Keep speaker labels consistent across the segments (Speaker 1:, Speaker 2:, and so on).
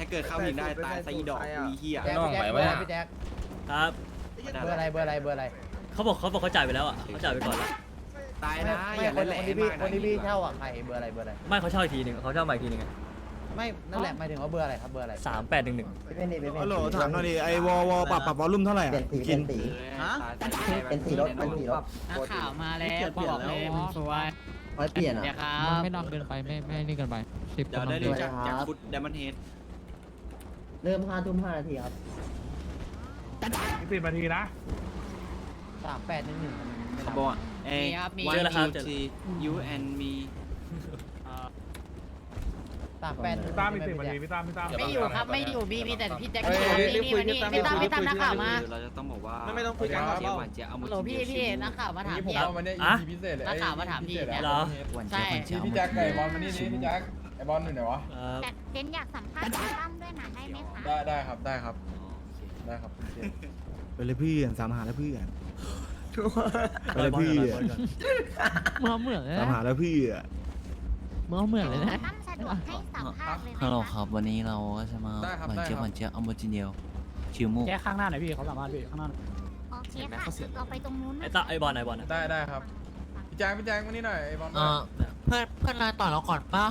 Speaker 1: เกิดเข้าหินได้ตายซะอีดอกอีเหี้ย
Speaker 2: น้องไหววะเนี่ย
Speaker 3: พี่แจ็ค
Speaker 4: ครับ
Speaker 3: เบอร์อะไร
Speaker 4: เขาบอกเขาจ่ายไปแล้วอ่ะเขาจ่ายไปก่อนแล้ว
Speaker 1: ตายนะ
Speaker 3: ไม่
Speaker 1: อย่า
Speaker 3: คน
Speaker 1: แหล
Speaker 3: ที่
Speaker 1: ม
Speaker 3: พี่
Speaker 1: มาก
Speaker 3: คนที่พี่เช่าอ่ะใครเบอร์อะไร
Speaker 4: ไม่เขาเช่าอีกทีหนึ่งเขาเช่าใหม่อีกทีหนึ่ง
Speaker 3: ไม่นั่นแหละหมายถึงว่าเบอร์อะไรครับเบอร์อะไร
Speaker 4: 3811
Speaker 5: ฮัลโหลถามหน่อยดิไอ้วอปรับวอลลุ่มเท่าไหร่กิน
Speaker 1: เป็นสีรถเป็นสีรถ
Speaker 6: นักข่าวมาแล้วบอกเลยมันสวย
Speaker 7: ไม่เปลี่ยนอ่ะ
Speaker 6: เดี๋ยวครับ
Speaker 8: ไม่นอนเกินไปไม่นี่เกินไป10
Speaker 1: เดี๋ยวได้รู้จักจากฟุตเดมอนเฮด
Speaker 7: เริ่ม5 ทุ่ม 5 นาทีครับ
Speaker 5: 10 นาทีนะ
Speaker 3: 3811
Speaker 1: เขาบอกเอ้
Speaker 4: เจอแล้วครับ
Speaker 1: you and me
Speaker 5: ตามอีก10 นาทีพี่ตาม
Speaker 6: ไม่อยู่ครับไม่อยู่มีแต่พี่แจ็คนี่มานี่พี่ตามนักข่าวมา
Speaker 1: เราจะต้องบอกว่า
Speaker 5: ไม่ต้องคุยกันครับ
Speaker 1: เจี๊ยบหวานเจี๊ยบเอา
Speaker 6: ฮัลโหลพี่นักข่าวมาถาม
Speaker 2: นี่ผม
Speaker 6: พี่
Speaker 2: เอาวันนี้
Speaker 4: อ่ะ
Speaker 2: EP พิเศษเลย
Speaker 6: นักข่าวมาถามพี่เนี่ย
Speaker 4: เหรอ
Speaker 6: ใช่
Speaker 2: พี่แจ็คไก่บอลมานี่นี่พี่แจ็คไอ้บอลอยู่ไหนวะ
Speaker 9: แต่เจนอยากสัมภาษณ์คุณตั้มด้วยนะได้ไหมคะ
Speaker 2: ได้ครับได้ครับได้ครับ
Speaker 5: ไปเลยพี่สามหาแล้วพี่ไปเลยพี่
Speaker 8: เมื่อเหมือนเลย
Speaker 5: สาม
Speaker 8: นะ
Speaker 5: หาแล้วพี่
Speaker 8: เมื่อเหมือนเลยนะ
Speaker 9: ตั้มสะดวกให้สัมภาษณ์เลยไหม
Speaker 10: ฮัลโหล
Speaker 9: คะ
Speaker 10: ครับวันนี้เราก็จะมา
Speaker 2: ได้ครับ
Speaker 10: หวาน
Speaker 2: ได้
Speaker 10: เจี๊ยบ
Speaker 2: ค
Speaker 10: ห
Speaker 2: รั
Speaker 10: วา
Speaker 2: บ
Speaker 10: นเจี๊ยบอัมโบจิเนียลชิวมุก
Speaker 8: แค่ข้างหน้าหน่อยพี่เขาสามารถพี่ข้างหน้า
Speaker 9: โอเคค่ะเราไปตรงนู้น
Speaker 4: ไอ้บอลไหนบอลนะ
Speaker 2: ได้ครับพี่แจ็คมานี่หน่อยไอ้บอล
Speaker 10: เพื่อนนายต่อเราก่อนป่ะ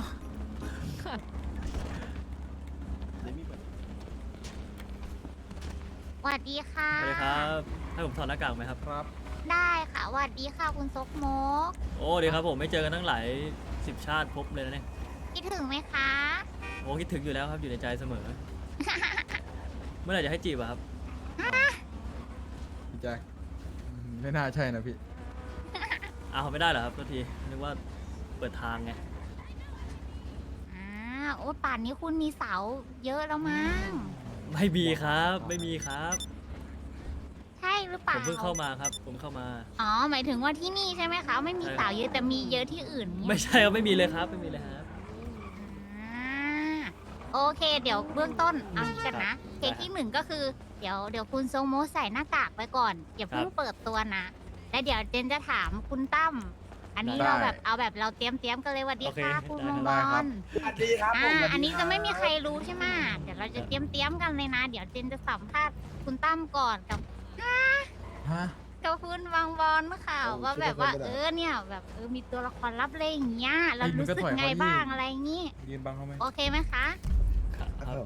Speaker 9: สวัสดีค่ะ
Speaker 4: สวัสดีครับให้ผมถอดหน้ากากไหมครับ
Speaker 2: ครับ
Speaker 9: ได้ค่ะสวัสดีค่ะคุณซกโมก
Speaker 4: โอ้ดีครับผมไม่เจอกันตั้งหลาย10 ชาติพบเลยนะเนี่ย
Speaker 9: คิดถึงไหมคะ
Speaker 4: โอ้คิดถึงอยู่แล้วครับอยู่ในใจเสมอ เมื่อไหร่จะให้จีบอะครับ
Speaker 2: พี่แจ็คไม่น่าใช่นะพี่
Speaker 4: อ้าวไม่ได้เหรอครับทันทีนึกว่าเปิดทางไง
Speaker 9: โอ้ป่านนี้คุณมีเสาเยอะแล้วมั้ง
Speaker 4: ไม่มีครับไม่มีครับ
Speaker 9: ใช่หรือเป
Speaker 4: ผ
Speaker 9: ล่าม
Speaker 4: เพิ่งเข้ามาครับผมเข้ามา
Speaker 9: อ๋อหมายถึงว่าที่นี่ใช่ไหมคะไม่มีเสาเยอะแต่มีเยอะที่อื่นเนี่ย
Speaker 4: ไม่ใช่ครับไม่มีเลยครับไม่มีเลยครับ
Speaker 9: โอเค เดี๋ยวเบื้องต้นเอางี้กันนะเคสที่หนึ่งก็คือเดี๋ยวคุณทรงโมใส่หน้ากากไว้ก่อนอย่าเพิ่งเปิดตัวนะแล้วเดี๋ยวเจนจะถามคุณตั้มอันนี้
Speaker 2: ได้
Speaker 9: เราแบบเอาแบบเราเตรียมกันเลยสวัสดีค่ะคุณมงบอล
Speaker 1: สวัสดีครับผม
Speaker 9: อันนี้จะไม่มีใครรู้ใช่ไหมเดี๋ยวเราจะเตรียมกันเลยนะ เดี๋ยวเจนจะสัมภาษณ์คุณตั้มก่อนกับ
Speaker 2: ฮะ
Speaker 9: กับคุณวังบอลข่าวว่าแบบว่าเนี่ยแบบมีตัวละครลับเลยอย่างเงี้ยเรารู้สึกไงบ้างอะไรอย่างงี้
Speaker 2: ยืนบังเขาไหม
Speaker 9: โอเคไหมคะ
Speaker 4: ครับ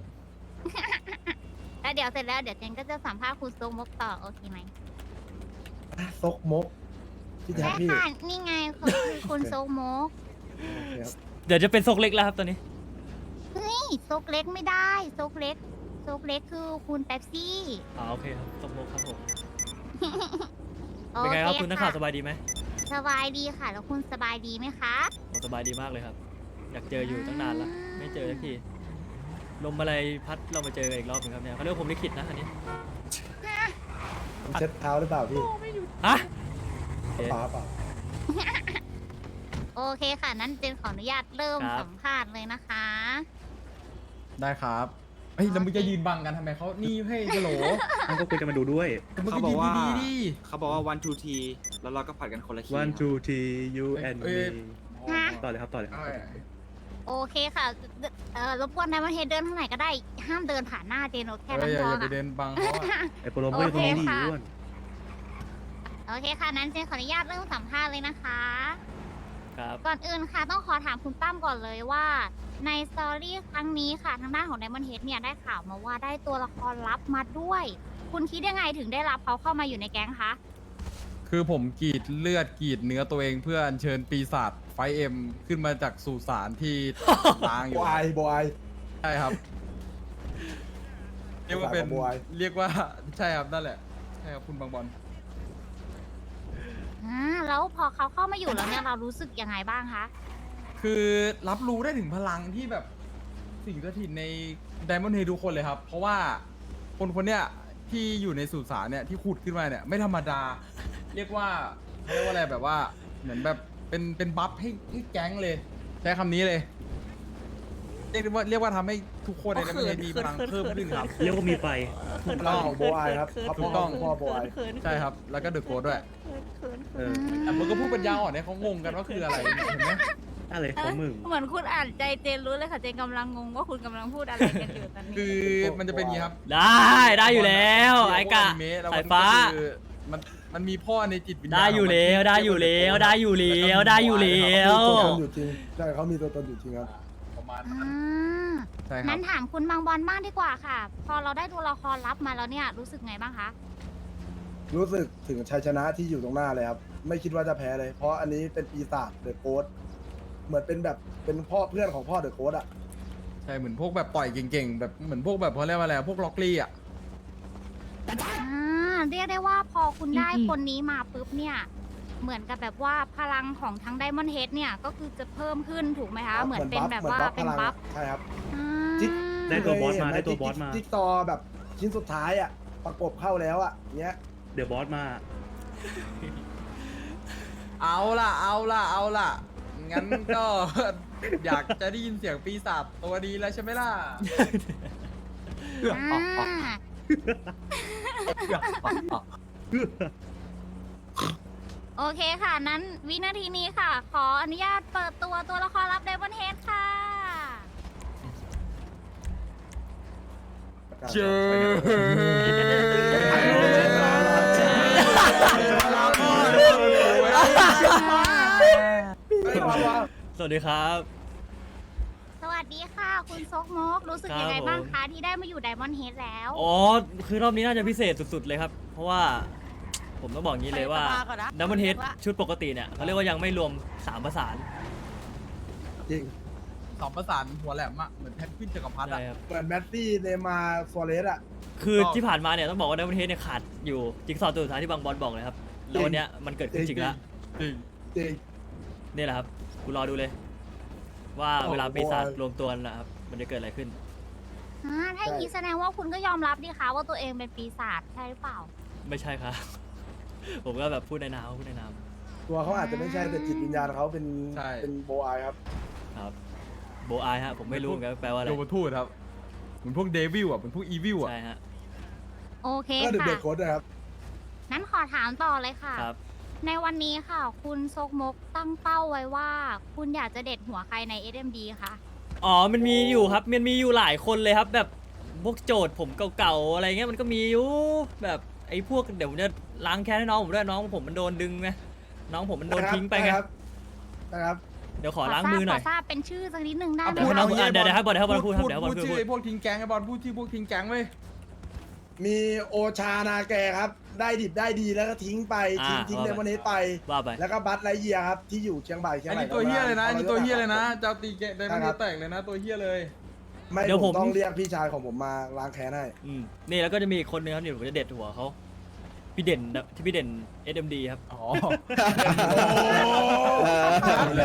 Speaker 9: แล้วเดี๋ยวเสร็จแล้วเดี๋ยวเจนก็จะสัมภาษณ์คุณทรงมกต่อโอเคไหม
Speaker 5: ซกมกพี่แจ๊ค
Speaker 9: ใช่
Speaker 5: พี่
Speaker 9: ค่ะนี่ไงเขาคือคุณทรงมก
Speaker 4: เดี๋ยวจะเป็นซกเล็กแล้วครับตอนนี้
Speaker 9: เฮ้ยซกเล็กไม่ได้ซกเล็กคือคุณเป๊ปซี่
Speaker 4: โอเคครับซกโมกครับผม
Speaker 9: โอ
Speaker 4: เป็นไงครับ
Speaker 9: เค
Speaker 4: คุณนักข่าวสบายดีไหม
Speaker 9: สบายดีค่ะ แล้วคุณสบายดีไหมคะ
Speaker 4: โอ้สบายดีมากเลยครับ อยากเจออยู่ตั้งนานแล้วไม่เจอสักทีลมอะไรพัดเรามาเจอกันอีกรอบหนึงครับเนี่ยเขาเรียกว่าผมลิขิตนะอันนี้
Speaker 5: เช็ดเท้าหรือเปล่าพี่
Speaker 4: ฮะ
Speaker 5: ป๋าเปล่า
Speaker 9: โอเคค่ะ นั้นเจนขออนุญาตเริ่มสัมภาษณ์เลยนะคะ
Speaker 2: ได้ครับเฮ้ยแล้วมึงจะยืนบังกันทำไมเขานี่ให้กะโหล
Speaker 5: มันก็คุยกันมาดูด้วย
Speaker 2: มึง
Speaker 1: เขา
Speaker 2: ก็
Speaker 1: บอ
Speaker 2: ยื
Speaker 1: ก
Speaker 2: น
Speaker 1: ว่า
Speaker 2: ดีๆดิ
Speaker 1: เขาบอกว่า one two t แล้วเราก็ผัดกันคนละคี
Speaker 5: one two three you and
Speaker 2: เอ้
Speaker 5: me
Speaker 2: ย
Speaker 5: ต่อเลยครับต่อเลยครับ
Speaker 9: โอเคค่ะรบกวนนายมาเฮดเดินทางไหนก็ได้ ห้ามเดินผ่านหน้าเจนโอแค่
Speaker 2: เอ้
Speaker 9: นั้
Speaker 2: ย
Speaker 9: น
Speaker 2: อย่า
Speaker 9: พอ
Speaker 2: อย่าไป
Speaker 9: ค่ะ
Speaker 2: เดินบังเขาอะ
Speaker 5: ไอ้โปรโมทตรงนี้ดีอ้วน
Speaker 9: โอเคค่ะ นั้นเจนขออนุญาตเริ่มสัมภาษณ์เลยนะคะ
Speaker 4: ครับ
Speaker 9: ก่อนอื่นค่ะ ต้องขอถามคุณตั้มก่อนเลยว่า ในสตอรี่ครั้งนี้ค่ะ ทางด้านของ Diamond Head เนี่ยได้ข่าวมาว่าได้ตัวละครลับมาด้วย คุณคิดยังไงถึงได้รับเขาเข้ามาอยู่ในแก๊งคะ
Speaker 2: คือผมกรีดเลือดกรีดเนื้อตัวเองเพื่ออัญเชิญปีศาจไฟเอ็มขึ้นมาจากสุสานที่ ล้างอยู่
Speaker 5: บอย
Speaker 2: ใช่ครับ เรียกว่าเป็น
Speaker 5: บอย
Speaker 2: เรียกว่าใช่ครับนั่นแหละใช่ครับคุณบางบอล
Speaker 9: แล้วพอเขาเข้ามาอยู่แล้วเนี่ยเรารู้สึกยังไงบ้างคะ
Speaker 2: คือรับรู้ได้ถึงพลังที่แบบสิ่งสถิตในไดมอนด์เฮดทุกคนเลยครับ เพราะว่าคนเนี้ยที่อยู่ในสุสานเนี่ยที่ขุดขึ้นมาเนี่ยไม่ธรรมดา เรียกว่าเขาเรียกว่าอะไรแบบว่าเหมือนแบบเป็นบัฟให้แก๊งเลยใช้คำนี้เลย เรียกว่าทำให้ทุกคนในไดมอนด์เฮดมีพลังเพิ่มขึ้นครับ
Speaker 5: เรียกว่ามีไฟ
Speaker 2: ถูกต้อง
Speaker 5: โบอยครับ
Speaker 2: ถูกต้อง
Speaker 5: พ่อโบอย
Speaker 2: ใช่ครับแล้วก็เดอะโกดด้วย
Speaker 5: เออ
Speaker 2: แต่มันก็พูดปัญญาอ่อนเนี่ยเขางงกันว่าคืออะไรเห็นไหม
Speaker 5: อะไรของมึง
Speaker 9: เหมือนคุณอ่านใจเจนรู้เลยค่ะเจนกำลังงงว่าคุณกำลังพูดอะไรกันอยู่ตอนนี้
Speaker 2: คือมันจะเป็นอย่างนี้ครับ
Speaker 4: ได้อยู่แล้วไอ้กะ
Speaker 2: อนิเมะแล้ว
Speaker 4: สายฟ้า
Speaker 2: คือมันมีพ่อในจิตวิญญาณ
Speaker 4: ได้อยู่แล้วได้อยู่แล้วได้อยู่แล้วได้อยู่แล้ว
Speaker 5: อยู่จริงใช่เขามีตัวตนอยู่จริงครับ
Speaker 2: ประมาณ
Speaker 9: อ่
Speaker 2: นั้น
Speaker 9: า
Speaker 2: ใช่ครั
Speaker 9: นั้
Speaker 2: บ
Speaker 9: นถามคุณบางบอลบ้างดีกว่าค่ะ พอเราได้ตัวละครลับมาแล้วเนี่ยรู้สึกไงบ้างคะ
Speaker 5: รู้สึกถึงชัยชนะที่อยู่ตรงหน้าเลยครับ ไม่คิดว่าจะแพ้เลย เพราะอันนี้เป็นปีศาจเดอะโค้ดเหมือนเป็นแบบเป็นพ่อเพื่อนของพ่อเดอะโค้ดอ่ะ
Speaker 2: ใช่เหมือนพวกแบบต่อยเก่งๆแบบเหมือนพวกแบบเขาเรียกว่าอะไรพวกล็อกลี่อ่ะ
Speaker 9: เรียกได้ว่าพอคุณได้คนนี้มาปุ๊บเนี่ยเหมือนกับแบบว่าพลังของทั้งไดมอนด์เฮดเนี่ยก็คือจะเพิ่มขึ้นถูกไหมคะเหมือนเป็นแบบว่าเป็นบัฟ
Speaker 5: ใช่ครับ
Speaker 9: อ่า
Speaker 5: จิ๊ก
Speaker 11: ได้ตัวบอสมาได้ตัวบอสมา
Speaker 5: จิ๊กซอว์แบบชิ้นสุดท้ายอ่ะประกบเข้าแล้วอ่ะเนี้ย
Speaker 11: เดี๋ยวบอสมา
Speaker 2: เอาล่ะงั้นก็ อยากจะได้ยินเสียงปีศาจตัวนี้แล้วใช่ไหมล่ะ
Speaker 9: อ่าโอเคค่ะ นั้นวินาทีนี้ค่ะ ขออนุญาตเปิดตัวละครลับไดมอนด์เฮดค่ะ
Speaker 2: เจอ
Speaker 4: สวัสดีครับ
Speaker 9: สวัสดีค่ะ คุณซกมกรู้สึกยังไงบ้างคะที่ได้มาอยู่ไดมอนด์เฮดแล้ว
Speaker 4: อ๋อคือรอบนี้น่าจะพิเศษสุดๆเลยครับ เพราะว่าผมต้องบอกงี้เลยว่าดัมเบิลเฮดชุดปกติเนี่ยเขาเรียกว่ายังไม่รวม3ประสาน
Speaker 5: จริง
Speaker 2: สองประสานหัวแหลมอะเหมือนแพนกวินจักรพรรดิอะ
Speaker 4: ใช่ครับ
Speaker 5: เหมือนแมสซี่เนย์มาร์ซัวเรสอ่ะ
Speaker 4: คือที่ผ่านมาเนี่ยต้องบอกว่าดัมเบิลเฮดเนี่ยขาดอยู่จิ๊กซอว์ตัวสุดท้ายที่บางบอลบอกเลยครับแล้ววันเนี้ยมันเกิดขึ้นจริงแล้ว
Speaker 2: จริง
Speaker 5: จริง
Speaker 4: นี่แหละครับคุณรอดูเลย ว่าเวลาปีศาจรวมตัวกันนะครับมันจะเกิดอะไรขึ้น
Speaker 9: ถ้าอย่างนี้แสดงว่าคุณก็ยอมรับดิคะว่าตัวเองเป็นปีศาจใช่หรือเปล่า
Speaker 4: ไม่ใช่ครับ ผมก็แบบพูดในนามพูดในนาม
Speaker 5: ตัวเขาอาจจะไม่ใช่แต่จิตวิญญาณเขาเป็นเป็นโบอายครับ
Speaker 4: ครับโบอายฮะผมไม่รู้เหมือนกันแปลว่าอะไร
Speaker 2: โยมทูตครับเหมือนพวกเดวิลอะเหมือนพวกอีวิลอะ
Speaker 4: ใช่ฮะ
Speaker 9: โอเค
Speaker 5: ก็เดอะ
Speaker 9: ค่ะ
Speaker 5: เบรกโค้ดนะครับ
Speaker 9: นั้นขอถามต่อเลยค่ะ
Speaker 4: ครับ
Speaker 9: ในวันนี้ค่ะ คุณซกมกตั้งเป้าไว้ว่า คุณอยากจะเด็ดหัวใครใน SMD คะ
Speaker 4: อ๋อมันมีอยู่ครับมันมีอยู่หลายคนเลยครับ แบบพวกโจทย์ผมเก่าๆอะไรเงี้ยมันก็มีอยู่แบบไอ้พวกเดี๋ยวผมจะล้างแค้นให้น้องผมด้วยน้องผมมันโดนดึงไงน้องผมมันโดนทิ้งไปไง
Speaker 5: นะครับ
Speaker 4: เดี๋ยวขอล้างมือหน่อย
Speaker 9: ขทราบเป็นชื่อสักนิดนึงได้ไหม
Speaker 4: เดี๋ยวให้น้อง
Speaker 9: คะ
Speaker 4: เดี๋ยวให้บอลพูดครับเดี๋ยวให้บอล
Speaker 2: พูด
Speaker 4: พูด
Speaker 2: ชื่อไอ้พวกทิ้งแก๊งไอ้บอลพูดชื่อพวกทิ้งแก๊งเว้ย
Speaker 5: มีโอชานาแกครับ ได้ดิบได้ดีแล้วก็ทิ้งไปทิ้งเดมอนเฮดไป
Speaker 4: ว่าไป
Speaker 5: แล้วก็บัตไลเยียครับที่อยู่เชียงใหม่
Speaker 2: อันนี้ตัวเฮียเลยนะอันนี้ตัวเฮียเลยนะเจ้าตีแกได้มันแตกเลยนะตัวเฮียเลย
Speaker 5: ไม่
Speaker 4: เดี๋ยว
Speaker 5: ผ
Speaker 4: ผม
Speaker 5: มต้องเรียกพี่ชายของผมมาล้างแค้นให้
Speaker 4: นี่แล้วก็จะมีอีกคนนึงครับเดี๋ยวผมจะเด็ดหัวเขาพี่เด่นที่พี่เด่น SMD ครับ
Speaker 2: อ๋อ
Speaker 5: เลย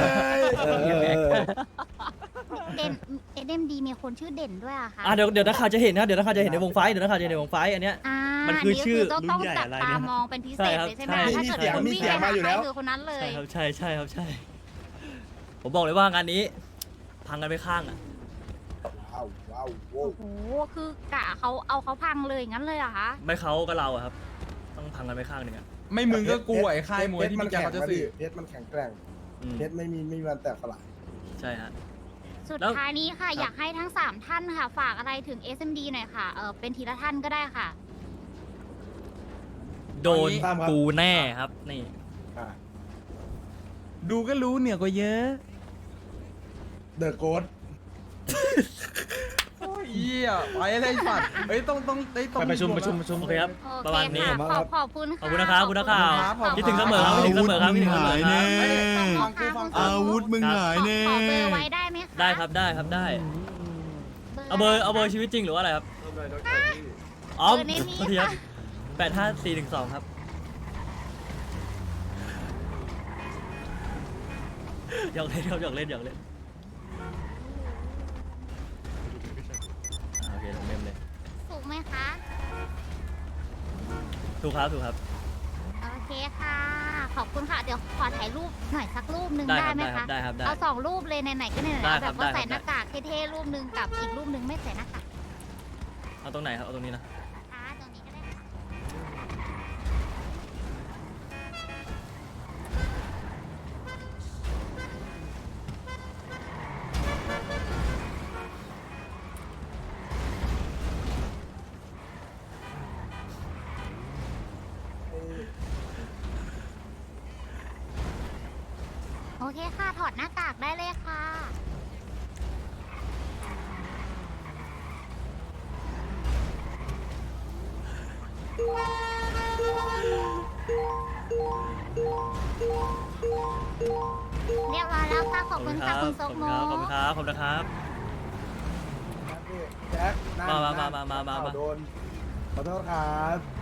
Speaker 9: เด่น SMD มีคนชื่อเด่นด้วยอะคะ
Speaker 4: เดี๋ยวนักข่าวจะเห็นนะครับเดี๋ยวนักข่าวจะเห็นในวงไฟเดี๋ยวนักข่าวจะเห็นในวงไฟอันเนี้ย มันคือชื่อ
Speaker 9: ต้องจับตามองเป็นพิเศษเลยใช่ไหม
Speaker 4: ใช่ครับ
Speaker 9: ถ้าเกิด
Speaker 4: ใช่
Speaker 9: คุณวิ่งไปหาใครคือคนนั้นเลย
Speaker 4: ใช่ครับใช่ใช่ครับใช่ ผมบอกเลยว่างานนี้ พังกันไปข้างอ่ะ
Speaker 5: ว้าวว้าวโว้
Speaker 9: โอ้โห คือกะเขาพังเลยงั้นเลยเหรอคะ
Speaker 4: ไม่เขาก็เราอะครับ ต้องพังกันไปข้างหนึ่งอ่ะ
Speaker 2: ไม่มึงก็กลัวไอ้ค่ายมวยที่มีแกเขาจะสื่อ
Speaker 5: เพชรมันแข็งแกร่ง
Speaker 4: อืม
Speaker 5: เพชรไม่มีวันแตกสลาย
Speaker 4: ใช่ฮะ
Speaker 9: สุด
Speaker 4: แล้ว
Speaker 9: ท้ายนี้ค่ะ อยากให้ทั้ง 3 ท่านค่ะ ฝากอะไรถึง SMD หน่อยค่ะ เป็นทีละท่านก็ได้ค่ะ
Speaker 4: โดน
Speaker 5: ตามครับ
Speaker 4: กูแน่ครับ นี่
Speaker 2: ดูก็รู้เนี่ยก็เยอะ
Speaker 5: เดอะโกด
Speaker 2: โอ้ยเหี้ยไปอะไรสัตว์เฮ้ยต้องได้ต้อง
Speaker 11: ไปประชุม
Speaker 2: ว
Speaker 4: โอเคครับ
Speaker 9: โอ
Speaker 4: ประ
Speaker 9: เค
Speaker 4: มาณนี้
Speaker 9: ค่ะขอบคุณค่ะ
Speaker 4: ขอบคุณนะครับคุณนักข่าว
Speaker 2: ครับ
Speaker 4: คิดถึงเสมอครับคิดถึงเสมอครับคิดถึงเสมอครับ
Speaker 2: เอ้ย
Speaker 9: ฟังคือฟัง
Speaker 2: อาวุธมึง
Speaker 9: ขอเบอร์ไว้ได้ไหมคะ
Speaker 4: ได้ครับได้ครับได้ เอาเบอร์ชีวิตจริงหรือว่าอะไรครับ อ๋อ
Speaker 9: เบอร์ในนี้
Speaker 4: โทษทีครับ
Speaker 9: ค่ะ
Speaker 4: 85412ครับหยอกเล่นครับหยอกเล่นหยอกเล่นโอเคลงเมมเลย
Speaker 9: ถูกไหมคะ
Speaker 4: ถูกครับถูกครับ
Speaker 9: โอเคค่ะ ขอบคุณค่ะ เดี๋ยวขอถ่ายรูปหน่อยสักรูปหนึ่ง
Speaker 4: ได้
Speaker 9: ได้
Speaker 4: ครับ
Speaker 9: ไหม
Speaker 4: ได้ครั
Speaker 9: คะ
Speaker 4: บได้ครับได้
Speaker 9: เอา2 รูปเลยไหนๆก็ไหนๆ
Speaker 4: ได้
Speaker 9: เอา
Speaker 4: ค
Speaker 9: แบ
Speaker 4: รับบ
Speaker 9: ว่า
Speaker 4: ได้ครับ
Speaker 9: ใส่หน้ากากเท่ๆรูปหนึ่งกับอีกรูปหนึ่งไม่ใส่หน้ากาก
Speaker 4: เอาตรงไหนครับเอาตรงนี้นะ
Speaker 9: นะคะตรงนี้ก็ได้ค่ะ
Speaker 4: โ
Speaker 9: โอเคค่ะ ถอดหน้ากากได้เลยค่ะ เรียบร้อยแล้วค่ะ ขอบคุณค่ะคุณซกโม
Speaker 4: ขอบคุณครับขอบคุณนะครับ
Speaker 5: แจ็คนั่น
Speaker 4: มา
Speaker 5: โดนขอโทษครับ